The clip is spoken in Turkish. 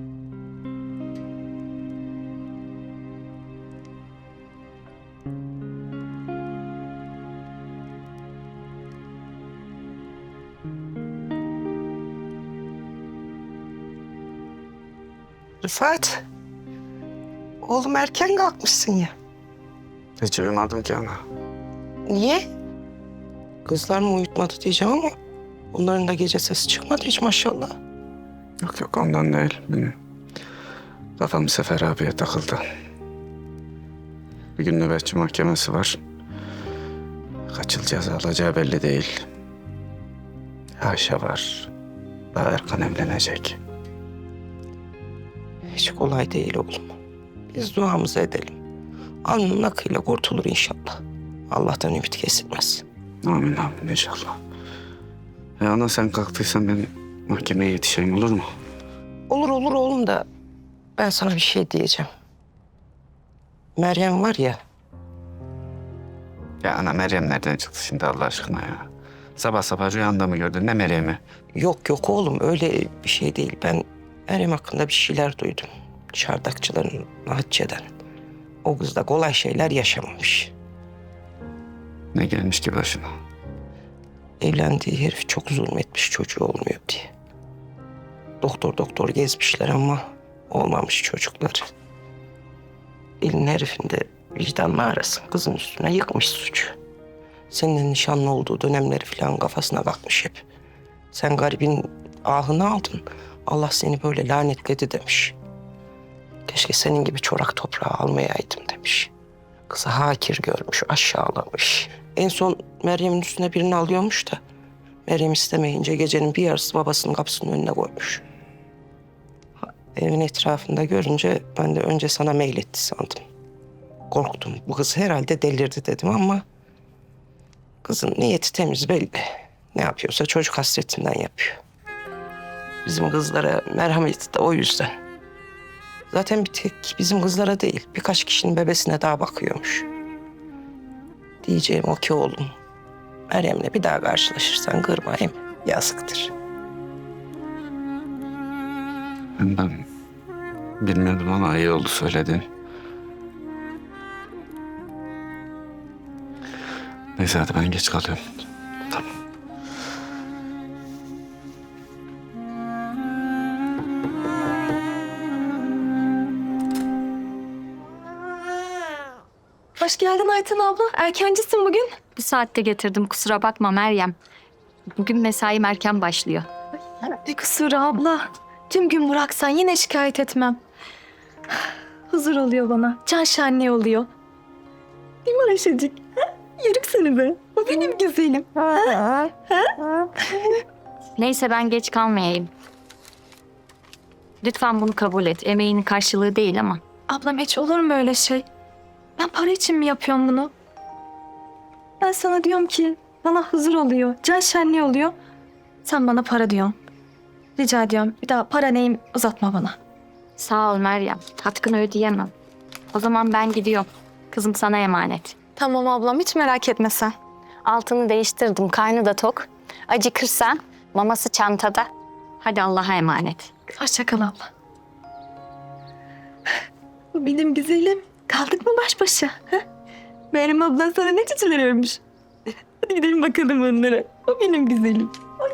Rıfat, oğlum erken kalkmışsın ya. Hiç uyumadım ki ana. Niye? Kızlar mı uyutmadı diyeceğim ama onların da gece sesi çıkmadı hiç maşallah. Yok yok ondan değil. Benim kafam Sefer abiye takıldı. Bir gün nöbetçi mahkemesi var. Kaç yıl ceza alacağı belli değil. Ayşe var. Daha Erkan evlenecek. Hiç kolay değil oğlum. Biz duamızı edelim. Alnının akıyla kurtulur inşallah. Allah'tan ümit kesilmez. Amin amin inşallah. Ana sen kalktıysan ben mahkemeye yetişeyim olur mu? Olur olur oğlum da ben sana bir şey diyeceğim. Meryem var ya, Ya ana Meryem nereden çıktı şimdi Allah aşkına ya? Sabah sabah rüyanda mı gördün ne Meryem'i? yok yok oğlum öyle bir şey değil. Ben Meryem hakkında bir şeyler duydum. Çardakçıların, Hatice'den. O kız da kolay şeyler yaşamamış. Ne gelmiş ki başına? Evlendiği herif çok zulmetmiş çocuğu olmuyor diye. Doktor doktor gezmişler ama olmamış çocuklar. Elin herifin de vicdanla arasın kızın üstüne yıkmış suçu. Seninle nişanlı olduğu dönemleri falan kafasına kalkmış hep. Sen garibin ahını aldın. Allah seni böyle lanetledi demiş. Keşke senin gibi çorak toprağı almayaydım demiş. Kızı hakir görmüş, aşağılamış. En son Meryem'in üstüne birini alıyormuş da Meryem istemeyince gecenin bir yarısı babasının kapısının önüne koymuş. Evin etrafında görünce ben de önce sana meyletti sandım. Korktum. Bu kız herhalde delirdi dedim ama kızın niyeti temiz belli. Ne yapıyorsa çocuk hasretinden yapıyor. Bizim kızlara merhameti de o yüzden. Zaten bir tek bizim kızlara değil, birkaç kişinin bebesine daha bakıyormuş. Diyeceğim o ki oğlum, Meryem'le bir daha karşılaşırsan kırma hem yazıktır. Ben bilmiyordum ama iyi oldu söyledin. Neyse hadi ben geç kalıyorum. Tamam. Hoş geldin Ayten abla. Erkencisin bugün. Bu saatte getirdim kusura bakma Meryem. Bugün mesaim erken başlıyor. Ne kusuru abla. Tüm gün bıraksan yine şikayet etmem. Huzur oluyor bana. Can şenliği oluyor. Değil mi Ayşecik? Ha? Yerim seni be. O benim güzelim. Neyse ben geç kalmayayım. Lütfen bunu kabul et. Emeğinin karşılığı değil ama. Ablam hiç olur mu öyle şey? Ben para için mi yapıyorum bunu? Ben sana diyorum ki bana huzur oluyor. Can şenliği oluyor. Sen bana para diyorsun. Rica ediyorum bir daha para neyim uzatma bana. Sağ ol Meryem. Hakkını ödeyemem. O zaman ben gidiyorum. Kızım sana emanet. Tamam ablam hiç merak etme sen. Altını değiştirdim. Karnı da tok. Acıkırsa maması çantada. Hadi Allah'a emanet. Hoşça kal abla. Benim güzelim. Kaldık mı baş başa? Ha? Meryem ablan sana ne çiçeler örmüş? Hadi gidelim bakalım onlara. O benim güzelim. Ay.